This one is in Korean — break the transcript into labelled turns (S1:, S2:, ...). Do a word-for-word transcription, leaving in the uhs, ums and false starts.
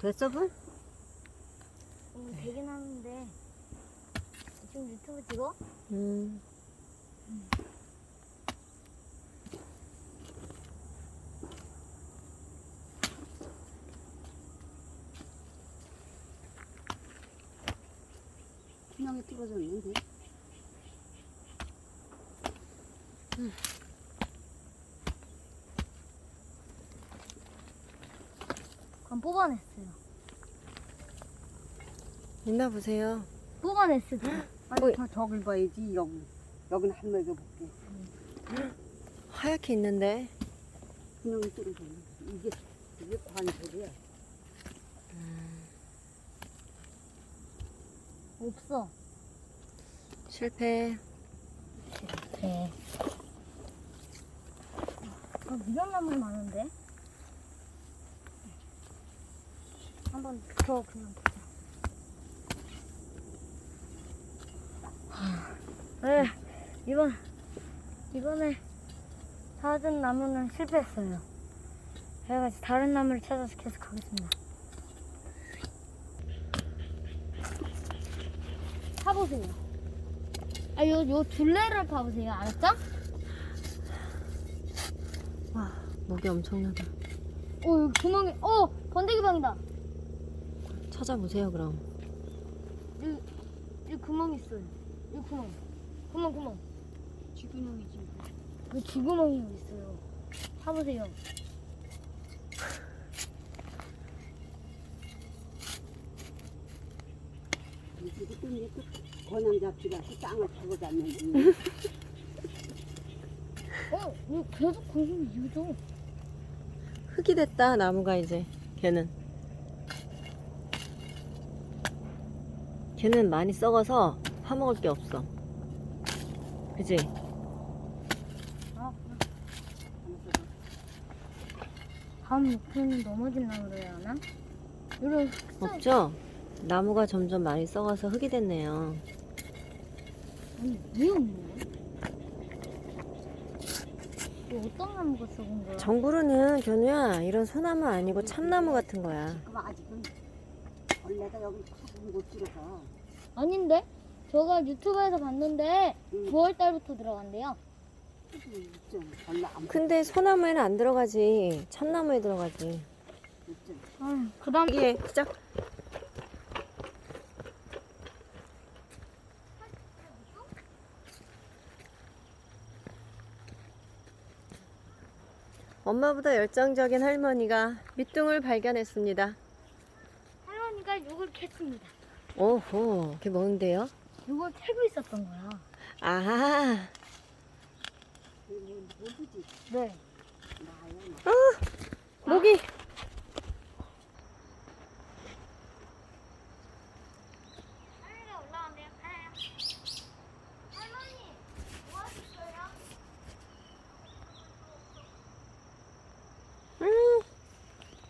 S1: 됐어, 불?
S2: 음, 되긴 하는데 지금 유튜브 찍어?
S3: 음.
S1: 분명히 뚫어졌는데.
S3: 음.
S2: 그럼 뽑아냈어요.
S3: 있나 보세요.
S2: 뽑아냈어요.
S1: 아니, 더 저길 봐야지, 여기. 여기는 한 먹여 볼게.
S3: 하얗게 있는데.
S1: 분명히 뚫어졌는데. 이게, 이게 관절이야.
S2: 없어.
S3: 실패.
S2: 네. 아, 미련나물 많은데? 한번 더 그냥 보자. 네, 이번, 이번에 찾은 나무는 실패했어요. 제가 다른 나무를 찾아서 계속 가겠습니다. 파보세요. 아, 요, 요 둘레를 파보세요. 알았죠?
S3: 와, 목이 엄청나다.
S2: 오, 여기 구멍이, 어! 번데기 방이다.
S3: 찾아보세요, 그럼.
S2: 여기, 여기 구멍 있어요. 여기 구멍. 구멍, 구멍.
S1: 쥐구멍이지.
S2: 그 쥐구멍이 여기 있어요. 파보세요.
S1: 이게 또 이제 또 권한 잡지가 땅을 파고 잤는데.
S2: 어, 이거 계속 거기 이어져.
S3: 흙이 됐다, 나무가 이제. 걔는. 걔는 많이 썩어서 파먹을 게 없어. 그지?
S2: 아, 다음 목표는 넘어진 나무로 해야 하나? 이런 흑색.
S3: 없죠? 나무가 점점 많이 썩어서 흙이 됐네요.
S2: 아니, 왜 없냐? 이거 어떤 나무가 썩은 거야?
S3: 정부르는 견우야, 이런 소나무 아니고 참나무 같은 거야.
S1: 그럼 아직은 벌레가 여기 파고 못 들어가.
S2: 아닌데? 제가 유튜브에서 봤는데
S1: 응.
S2: 구월 달부터 들어간대요.
S1: 있잖아. 벌레 안
S3: 근데 소나무에는 안 들어가지. 참나무에 들어가지.
S1: 있잖아.
S2: 아, 그 다음
S3: 여기에 시작. 엄마보다 열정적인 할머니가 밑둥을 발견했습니다.
S2: 할머니가 이걸 캤습니다.
S3: 오호, 그게 뭔데요?
S2: 이걸 캐고 있었던 거야.
S3: 아하,
S1: 모르지.
S2: 네.
S1: 나야 나.
S3: 모기.